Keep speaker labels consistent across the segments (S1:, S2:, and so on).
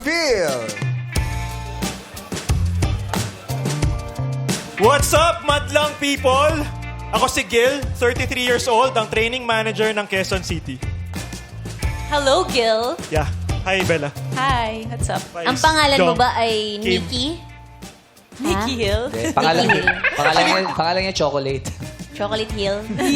S1: Phil!
S2: What's up, madlang people? Ako si Gil, 33 years old, ang training manager ng Quezon City.
S3: Hello, Gil.
S2: Yeah. Hi, Bella.
S3: Hi, what's up?
S2: Vice
S4: Ang pangalan mo
S2: Jong.
S4: ba ay
S2: Kim.
S4: Nikki?
S3: Nikki Hill.
S5: Pangalan niya Chocolate.
S4: Chocolate Hill?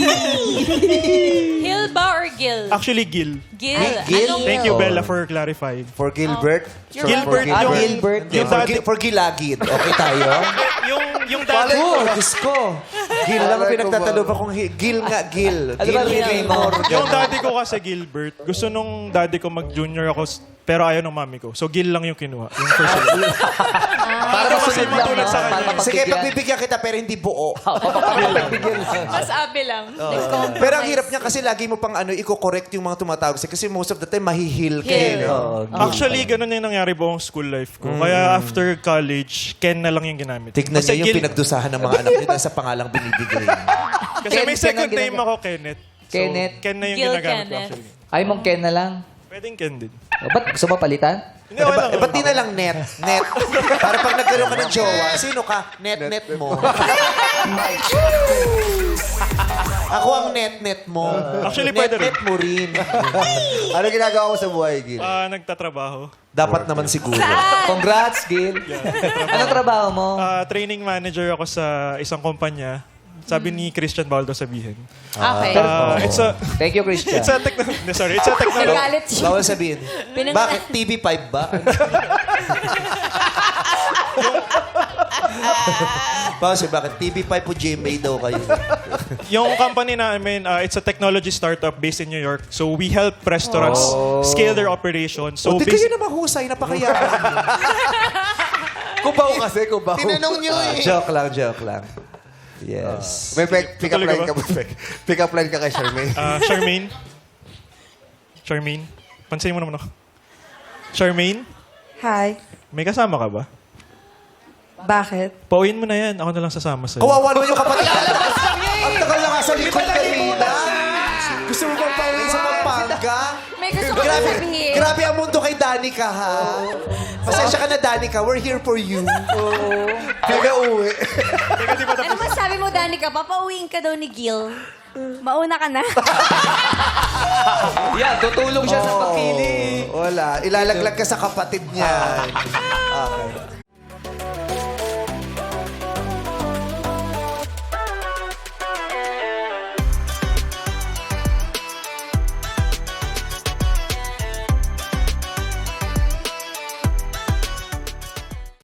S3: Hill ba or Gil?
S2: Actually, Gil.
S3: Gil.
S1: Gil?
S3: Anong-
S2: Thank you, Bella, for clarifying.
S1: For Gilbert?
S3: You're
S2: Gilbert,
S3: welcome.
S2: yung...
S5: Gilbert.
S2: Yung dati...
S1: For Gilagid. Okay tayo?
S2: Yung dati...
S1: Oh, Diyos ko. Gil lang ang pinagtatalo pa kung Gil nga, Gil.
S5: Ano ba
S1: Gil
S5: real name mo?
S2: Yung daddy ko kasi Gilbert, gusto nung daddy ko mag-junior ako, pero ayaw ng mami ko. So, Gil lang yung kinuha. Yung first name.
S5: Para masunod lang,
S2: matulad
S5: no?
S2: sa kanya.
S5: Para
S1: Sige,
S5: mapagbigyan.
S1: pagbibigyan kita pero hindi buo.
S5: Papagbigyan lang.
S3: Mas abe lang.
S1: Pero ang hirap niya kasi lagi mo pang i-correct yung mga tumatawag sa'yo. Kasi most of the time, mahihil ka.
S3: Hill.
S1: eh, no?
S2: Actually, ganun yung nangyari buong school life ko. Kaya after college, Ken na lang yung ginamit.
S1: Tignan
S2: Kasi
S1: niyo yung
S2: Gil-
S1: pinagdusahan ng mga anak niyo dahil sa pangalang binibigay.
S2: Kasi
S5: Ken,
S2: may
S5: Ken
S2: second
S5: ang
S2: name
S5: ginagawa.
S2: ako, Kenneth. So,
S5: Kenneth.
S2: Ken na yung
S3: Gil
S2: ginagamit ko
S3: Kenneth.
S2: actually.
S5: Ay mong Ken na lang.
S2: Pwedeng Ken din.
S5: O, ba't gusto mo palitan?
S2: Hindi, okay lang.
S1: Ba't di na lang net? Net. Para pag nagkaroon ka ng jowa, sino ka? Net mo. Ako ang net mo.
S2: Actually, pwede rin.
S1: Net mo rin.
S6: Ano ginagawa mo sa buhay, Gil?
S2: Nagtatrabaho.
S1: Dapat naman siguro.
S5: Congrats, Gil. Anong trabaho mo?
S2: Training manager ako sa isang kumpanya. Sabi ni Christian Baldo sabihin.
S3: Okay.
S2: It's a...
S5: Thank you, Christian.
S2: It's a technology. Sorry, it's a technology.
S4: Nagalit siya.
S1: Bawal sabihin. Bakit? TV5 ba? Bawal sabihin, bakit? TV5 po GMA daw kayo.
S2: Yung company namin, it's a technology startup based in New York. So we help restaurants scale their operations. So
S1: O, di kayo na mahusay, napakayaman.
S6: Kubaw kasi, kubaw.
S1: Tinanong nyo eh. Joke lang. Yes.
S6: May pick-up
S2: Tutuloy
S6: line
S2: ka
S6: ka ba? Pick-up line ka kay Charmaine.
S2: Charmaine? Pansinin mo naman ako. Charmaine?
S7: Hi.
S2: May kasama ka ba?
S7: Bakit?
S2: Pauwiin mo na yan. Ako na lang sasama sa'yo.
S1: Kawawa naman yung kapatid. Ang tagal na nga sa likod kanina. Gusto mo bang pauwi sa Pampanga?
S4: May gusto ko
S1: Grabe,
S4: sabihin.
S1: grabe ang mundo kay Danica, ha? Pasensya ka na, Danica. We're here for you.
S6: Kaya uwi.
S2: Teka, di ba
S4: Ano
S2: tapos?
S4: masabi mo, Danica? Papauwiin ka daw ni Gil. Mauna ka na.
S5: Yan, tutulong siya sa pagpili.
S1: Wala. Ilalaglag ka sa kapatid niya. Okay.